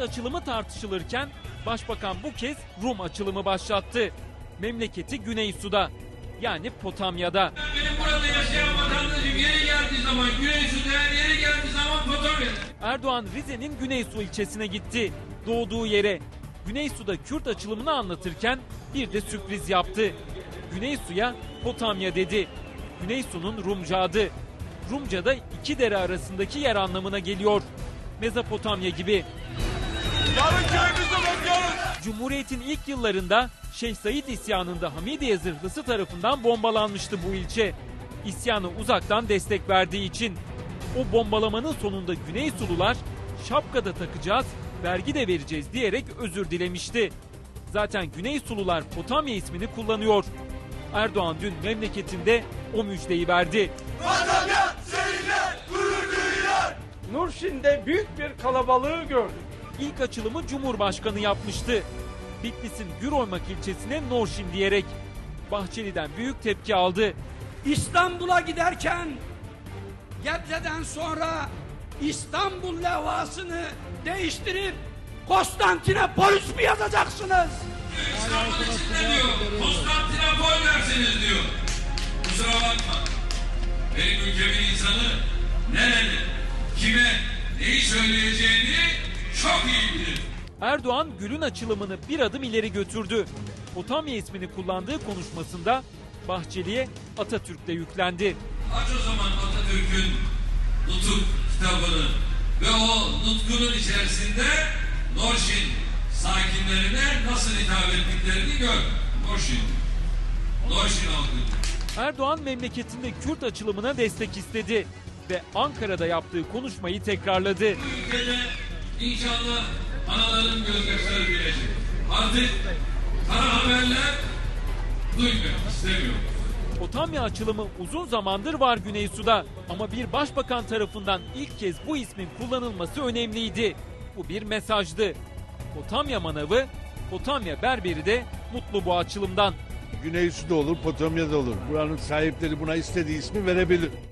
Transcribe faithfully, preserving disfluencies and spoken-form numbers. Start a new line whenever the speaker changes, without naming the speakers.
açılımı tartışılırken Başbakan bu kez Rum açılımı başlattı. Memleketi Güneysu'da, yani Potamya'da.
Benim burada yaşayan vatandaşım yeri geldiği zaman Güneysu'da, yeri geldiği zaman Potamya'da.
Erdoğan Rize'nin Güneysu ilçesine gitti. Doğduğu yere. Güneysu'da Kürt açılımını anlatırken bir de sürpriz yaptı. Güneysu'ya Potamya dedi. Güneysu'nun Rumca adı. Rumca'da iki dere arasındaki yer anlamına geliyor. Mezopotamya gibi.
Yarın köyümüze bakıyoruz.
Cumhuriyet'in ilk yıllarında Şeyh Said isyanında Hamidiye zırhlısı tarafından bombalanmıştı bu ilçe. İsyanı uzaktan destek verdiği için. O bombalamanın sonunda Güneysulular şapkada takacağız, vergi de vereceğiz diyerek özür dilemişti. Zaten Güneysulular Potamya ismini kullanıyor. Erdoğan dün memleketinde o müjdeyi verdi.
Potamya seninle gurur duyuyor.
Nurşin'de büyük bir kalabalığı gördük.
İlk açılımı Cumhurbaşkanı yapmıştı. Bitlis'in Güroymak ilçesine Norşin diyerek. Bahçeli'den büyük tepki aldı.
İstanbul'a giderken Gebze'den sonra İstanbul levhasını değiştirip Konstantinopolis mi yazacaksınız?
İstanbul içinde diyor, Konstantinopol dersiniz diyor. Kusura bakma. Benim ülkemin insanı nerede, kime, neyi söyleyeceğini çok iyi bilir.
Erdoğan Gül'ün açılımını bir adım ileri götürdü. Potamya ismini kullandığı konuşmasında Bahçeli'ye Atatürk'le yüklendi.
Aç o zaman Atatürk'ün Nutuk kitabını ve o nutkunun içerisinde Norşin sakinlerine nasıl hitap ettiklerini gör. Norşin. Norşin halkı.
Erdoğan memleketinde Kürt açılımına destek istedi ve Ankara'da yaptığı konuşmayı tekrarladı.
Bu ülkede inşallah anaların gözyaşları bilecek. Artık kara haberler duymak istemiyorum.
Potamya açılımı uzun zamandır var Güneysu'da ama bir başbakan tarafından ilk kez bu ismin kullanılması önemliydi. Bu bir mesajdı. Potamya manavı, Potamya berberi de mutlu bu açılımdan.
Güneysu'da olur, Potamya'da olur. Buranın sahipleri buna istediği ismi verebilir.